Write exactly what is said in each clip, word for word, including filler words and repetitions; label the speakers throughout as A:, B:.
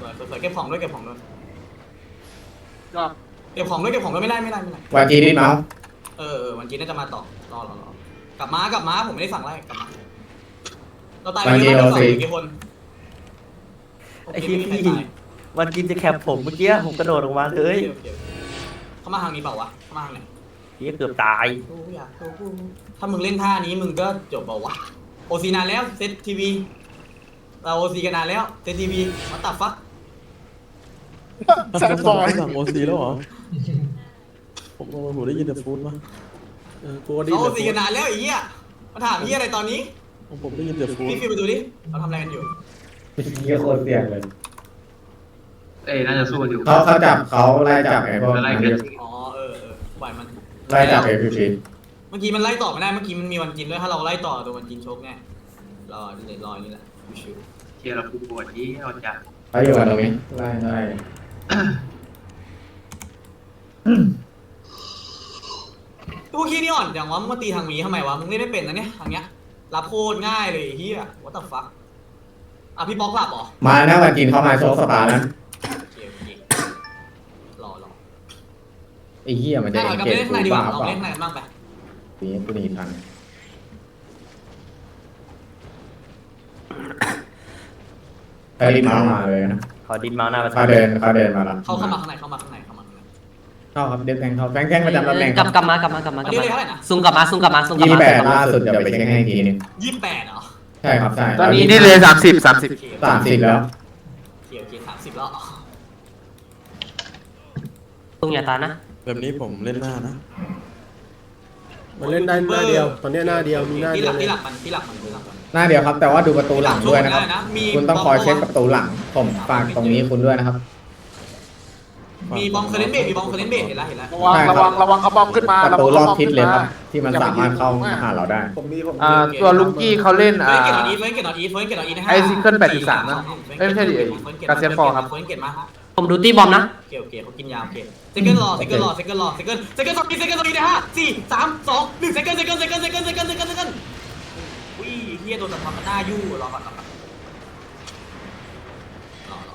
A: สวยเก็บของด้วยเก็บของด้วย
B: ก็
A: เก็บของด้วยเก็บของด้วยไม่ได้ไม่ได้ไม่ได้
C: วันจีนิดเมาส์
A: เออเออวันจีน่าจะมาต่อรอรอรอกลับมากลับมาผมไม่ได้สั่งไล่กลับมาเราตายไปเยอะมากเลยกี่คน
D: ไอ้ที่พี่วันกินจะแคปผมเมื่อกี้ผมกระโดดออกมาเลย
A: เขามาทางนี้เปล่าวะเขามาทางไหน
D: พี่เกือบตาย
A: ถ้ามึงเล่นท่านี้มึงก็จบเปล่าวะโอซีนานแล้วเซตทีวีเราโอซีกันนานแล้วเซตทีวีมาตัดฟัก
B: แซดบอย
E: สั่งโอซีแล้วเหรอผมผมได้ยินแต่ฟูดมาเออกูได้ยิ
A: เขา
E: น
A: โอ
E: แต่
A: ซี
E: ฟู
A: กั
E: ด
A: นนานแล้วไอ้เหี้ยมาถามเหี้ยอะไรตอนนี้
E: ผมได้ยินแต่ฟูด
A: พี่ฟิวไปดูดิเราทำอะไรกันอยู่
C: เยี่ยโคตรเสี่ยงเลย
B: เอ้ยน่าจะสู้อยู่
C: เขาเขาจับเขาไล่จับไอ้พวก
B: ไล่เกิน
A: อ๋อเออเออปล่อยมัน
C: ไล่จับไอ้พีพี
A: เมื่อกี้มันไล่ต่อไม่ได้เมื่อกี้มันมีวันกินด้วยถ้าเราไล่ต่อตัววันกินโชคแน่รอเดี๋ยวรอนี่แหละชิว
B: เชียร์เราคูปวดยี่เราจะ
C: เขาอยู่กันตรงนี้ไล่ไล่
A: ตู้ขี้นี่อ่อนอย่างวะมึงมาตีทางนี้ทำไมวะมึงเล่นไม่เป็นนะเนี่ยทางเนี้ยรับโคตรง่ายเลยเฮีย what the fuck อ่ะพี่ป๊อกหลับเหรอ
C: มาหน้าวันจีนเขามาโชว์สปานะ
A: โอเคโอเครอรอ
C: ไอ้เหี้ยมันจะ
A: ได้
C: เอ็น
A: กับ
C: เกจ
A: เล่น
C: กู
A: ข้างในดีก
C: บ้า
A: ว่าลอง
C: เปล่า
A: เล่นข้างในกันบ้างไป
C: ปีนี้กูหนีทันไปรีบเมาส์มาเลยนะ
D: ขอดินมาหน้าประตู
C: เขาเดินเขาเดินมาแล้ว
A: เข้าเข้ามาข้างในเข้ามาข้างในเข้ามาข้างใน
C: เข้าครับเดินแทงเขาแทงแทงประจำตำแหน่ง
F: กลับกลับมากลับมากลับมากลับ
A: อันนี้
F: มา
A: เลยเท่าไหร่นะ
F: ซุ่มกลับมาซุ่มกลับมาซุ่มกลับ
C: ยี่
F: มา
C: แปดล่าสุดเดี๋ยวไปเช็คให้อีกทีนึง
A: ยี่สิบแปดเหรอ
C: ใช่ครับใช่
B: ตอนนี้นี่เลยสามสิบสามสิบ
C: สามสิบแล้ว
A: โอเคโอเคสามสิบแล้ว
F: ซุ่มอย่าตายนะ
E: แบบนี้ผมเล่นหน้านะ
G: มันเล่นได้หน้าเดียว ตอนนี้หน้าเดียวมีหน้า
A: ที่
G: เดี
A: ห
G: ย
A: ลั
G: ว
A: ก
G: เลย
A: ที่หลักมันที่หลักมันที่หลักมัน
C: หน้าเดียวครับแต่ว่าดูประตูหลังด้วยนะครับ
A: มี
C: คุณต้องคอยเช็คประตูหลังผมฝากตรงนี้คุณด้วยนะครับ
A: มีบอมเคอร์เรนเบดมีบอมเคอร์เรนเบดเห็นแล้วเห็นแล้ว
B: ระวังระวังระวังเขาบอมขึ้นมา
C: ประตูรอบทิศเลยครับที่มันสามารถเข้าหาเราได้
G: ผมมีผม
B: อ่าตัวลุงกี้เขาเล่น
A: เฟิ
B: อ่า
A: ร์นเกตออีเฟิร์นเกตออีเฟิร์นเกตออีนะฮะ
B: ไอ้ซิงเกิลแปดสิบสามนะเอ้ยไม่ใช่ดิไอ้กาเซียนฟอร์ครับ
A: เฟิร์นเกตมา
F: ผมดูตี้บอมนะ
A: โอเคโอเคเขากินยาโอเคเซคันด์รอเซคันด์รอเซคันด์รอเซคันด์เซคันด์สองเซคันด์สองนะฮะสี่สามสองหนึ่งเซคันด์เซคันด์เซคันด์เซคันด์เซคันด์เซคันด์เซคันด์อุ้ยเฮียโดนแต่ความหน้ายู่รอก่อนรอก่อนรอรอ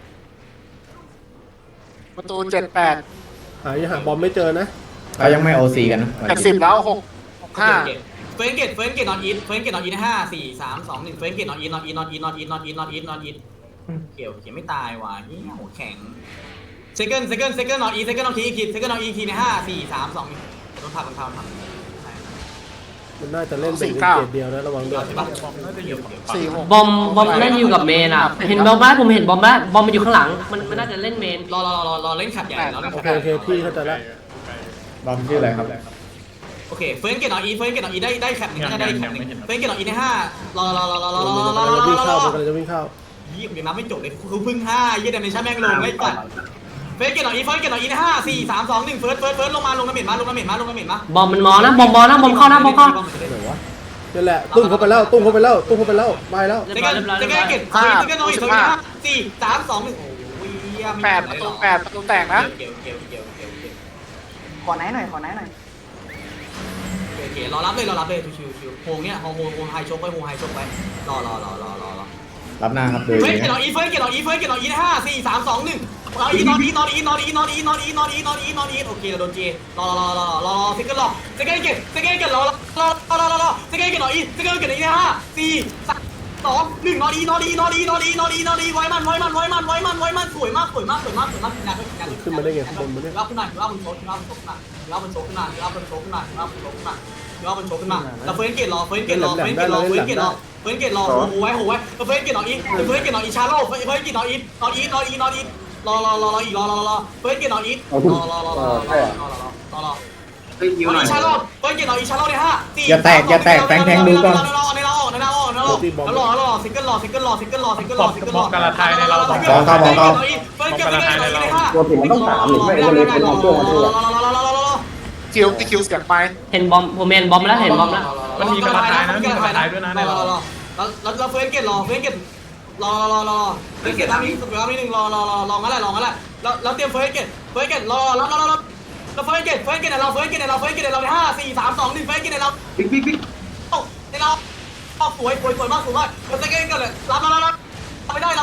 B: ประตูเจ็ดแปด
G: หายังหาบอมไม่เจอนะ
C: เขายังไม่โอซีกันนะ
B: แปดสิบแล้วหกห้า
A: เฟิร์นเกตเฟิร์นเกตนอนอีทเฟิร์นเกตนอนอีทนะห้าสี่สามสองหนึ่งเฟิร์นเกตนอนอีทนอนอีทนอนอีทนอนอีทนอนอีทนอนอีทนอนอีทเกี่ยวเกี่ยวไม่ตายว่ะเฮียโหแข็งเซคันด์เซคันด์เซคันด์นอนอีทเซคันด์นอนทีอีกทีเซคันด์นอนอีกทีในห้าสี่สามสองหนึ่งโดนพับโดนพับโดนพับ
G: มันน่าจะเล่นเป็นเกตเดียวนะระวังด้วย
A: ใช่ปะเกี่ยวเกี่ยว
B: สี่หก
F: บอมบอมเล่นอยู่กับเมนอ่ะเห็นบอมไหมผมเห็นบอมไหมบอมมันอยู่ข้างหลังมันมันน่าจะเล่นเมน
A: รอรอรอรอเล่นขัดใหญ่รอเล่น
G: โอ
A: ขัด
G: เค
A: ใหญ่
G: โอเคพี่เข้าใจแล้ว
C: บอมชื่ออะไรครับ
A: โอเคเฟิร์นเกตนอนอีทเฟิร์นเกตนอนอีทได้ได้แคปหนึ่งน่าจะได้แคปหนึ่งเฟิร์นเกตนอนอีทในห้ารอรอรอรอรอรอรอรอรอ
G: มันจะวิ่ง
A: ร
G: เข้า
A: อ
G: มันจะวิ่งเข้า
A: ยี่สิบยังนับไม่จบเลยคือพึ่งห้ายี่เดนเนชั่นแม่งลงไอ้ตัดเฟิร์นเกตนอนอีทเฟิร์นเกตนอนอีทในห้าสี่สามสองหนึ่งเฟิร์สเฟิร์สเฟิร์สลงมาลงน้ำเหม็นมาลงน้ำเหม็นมาลงน้ำเหม็นมา
F: บอมมันมอนะบอมมอนะบอมเข้านะบอมเข้า
G: นั่นแหละตุ้มเข้าไปแล้วตุ้มเข้าไปแล้วตุ้มเข้าไปแล้วไปแล้ว
F: เรีย
A: เซ
F: บร้
A: กั
F: อย
A: น
F: เรียบร้อย
A: เซ
F: เรียบ
A: กั
F: ร้
A: น
F: อย
A: เกตเซกันนอนอีทเฟิร์สห้าสี่สามสองหนึ่งโอ้ย
B: แปดประตูแปดประตูแตกนะ
A: เกี่ยวเกี่ยวเกี่ยวเกี่ยวเกี่ยว
H: ขอไหนหน่อยขอไหนหน่อย
A: โอเครอรับเลยรอรับเลยชิวชิวโฮงเนี้ยโฮงโฮงโฮงไฮชกไปโฮงไฮชกไปรอรอรอรอรอรอ
C: รับหน้าครับดู
A: เฟิร์ส
C: ดี
A: เกตนอนอีทเฟิร์สเกตนอนอีทเฟิร์สเกตนอนอีทห้าสี่สามสองหนึ่งนอนอีทนอนอีทนอนอีทนอนอีทนอนอีทนอนอีทนอนอีทนอนอีทนอนอีทโอเคเราโดนเจรอรอรอรอรอเซกันรอเซกันเกตเซกันเกตรอรอรอรอรอรอเซกันเกตนอนอีทเซกันเกตนอนอีทห้าสี่สามสองหนึ่งนอนอีนอนอีนอนอีนอนอีนอนอีนอนอีไว้มันไว้มันไว้มันไว้มันไว้มันสวยมากสวยมากสวยมากสวยมากขึ้นมารับขึ้นมารับมันโชกรับมันโชกรับมันโชกรับมันโชกรับมันโชกรับมันโชกรับมันโชกแล้วเฟิร์นเกตรอเฟิร์นเกตรอเฟิร์นเกตรอเฟิร์นเกตรอเฟิร์นเกตรอโอ้โหไว้โอ้โหไว้เฟิร์นเกตนอนอีเฟิร์นเกตนอนอีชาโร่เฟิร์นเกตนอนอีนอนอีนอนอีนอนอีรอรอรอรออีรอรอรอเฟิร์นเกตนอนอีรอรอรอรอรอรอรอรอรอ
B: เฮ้ยยิวหน่อย
A: อีชาโร่เฟิร์นเกตนอนอีชาโร่ในห้าสี่
C: อย่าแตกอย่าแตกแทงแทงดูก่อน
A: ในรอในรอในรอในรอในรอรอซิงเกิลรอซิงเกิลรอซิงเกิลรอซิงเกิลรอซิงเกิลรอการละทายในเราเฟิร์นเกตนอนอีเฟิร์นเกตนอนอีในห้าตัวผมมันต้องสามหรือไม่ก็เลยเป็นตัวมันด้วย
B: คิวที่คิวเสียงไป
F: เห็นบอมผมเห็นบอมแล้วเห็นบอมแล้ว
A: มันมีกระทายนะมีกระทายด้วยนะในเราแล้วเราเฟิร์นเกตรอเฟิร์นเกตรอรอรอเฟิร์นเกตทำอีกสักนิดนึงรอรอรอรองั้นแหละรองั้นแหละแล้วแล้วเตรียมเฟิร์นเกตเฟิร์นเกตรอรอรอรอเราเฟิร์นเกตเฟิร์นเกตเราเฟิร์นเกตเราเฟิร์นเกตเราในห้าสี่สามสองหนึ่งเฟิร์นเกตเราบิ๊กบิ๊กบิ๊กในเราสวยสวยสวยมากสวยมากเราจะเก่งกันเลยรับรับรับไม่ได้รับไม่ได้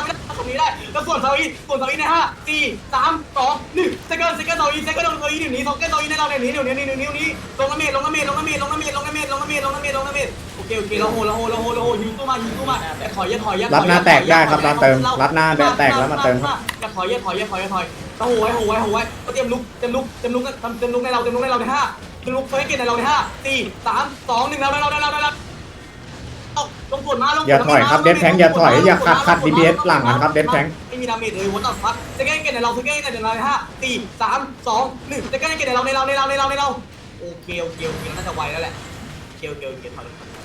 A: รงนี้ได้แล้วส่วนเซาอีส่วนเซาอีในห้าสี่สามสองหนึ่งเซคันด์เซคันด์เซาอีเซคันด์เซาอีหนึ่งนี้สองเซคันด์เซาอีในเราในนี้เดี๋ยวนี้เดี๋ยวนี้นี้ลงน้ำเมดลงน้ำเมดลงน้ำเมดลงน้ำเมดลงน้ำเมดลงน้ำเมดลงน้ำเมดลงน้ำเมดโอเคโอเคเราโหเราโหเราโหเราโหยิงตู้มายิงตู้มาอย่าถอยอย่าถอยอย่าถอย
C: รับหน้าแตกได้ครับรับเติมรับหน้าแตกแล้วมาเติมครับ
A: อย่าถอยอย่าถอยอย่าถอยอย่าถอยโอ้โหไว้โหไว้โหไว้เตรียมลุกเตรียมลุกเตรียมลุกเตรียมลุกในเราเตรียมลุกในเราในห้าเตรียมลุกเฟรกเกตในเราในห้าสี่สามสองหนึ่งเราเราเราเราเราลงกดมาลง
C: อย่าถอยครับเดฟแทงอย่าถอยอย่าขัดขัด ดี พี เอส หลังนะครับเดฟแทง
A: ไม่มีดาเมจเลยวันต่อฟัดเซคันด์เกตในเราเซคันด์เกตในเราในห้าสี่สามสองหนึ่งเซคันด์เกตในเราในเราในเราในเราในเราโอเคโอเคโอเคน่าจะไวแล้วแหละเกียวเกียวเกียวถอย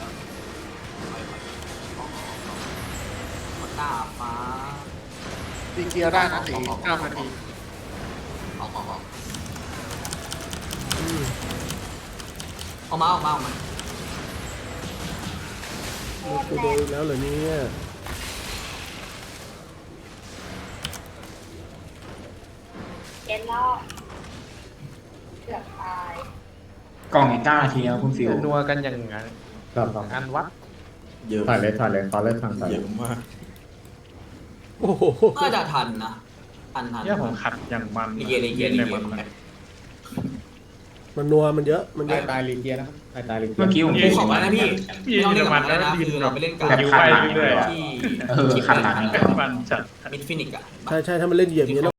A: หน้าฟ้า
B: ตีเกียร์ได้นะตีเก้านาที
A: ออกออกออกออกมาออกมาออกมา
G: กูโดนอีกแล้วเหรอเนี่ย
I: เอ็นแล้วเกือบตาย
J: กล่องอีกเก้านาทีแล้วคุณฟิว
E: นัวกันอย่างงั้น
C: ครับ
E: อันวัดเยอะ
C: ถอยเลยถอยเลยขอเลิกทางถอย
E: เยอะมาก
G: โอ้โห
A: น่าจะทันนะทันทัน
E: เนี่ยผมขัดอย่างมัน
A: ลีเกียลีเกียลี
E: ใน
A: เกีย
E: มัน
G: มันนัวมันเยอะมันเย
C: ตาย
G: อะ
C: ตายลีเกียนะครับตายตายลีเกีย
J: เมื่อกี้ผม
A: กูขอมานะพี่ไม่ต้องเล่นกับมันแล้วนะคือเราไปเล่นกับ
J: แบบขัดหลัง
A: ที่
J: เออขัดหลัง
A: ที่
E: มันจัด
A: มิดฟินิกอะ
G: ใช่ใช่ถ้ามันเล่นเหยียบอย่างนี้ย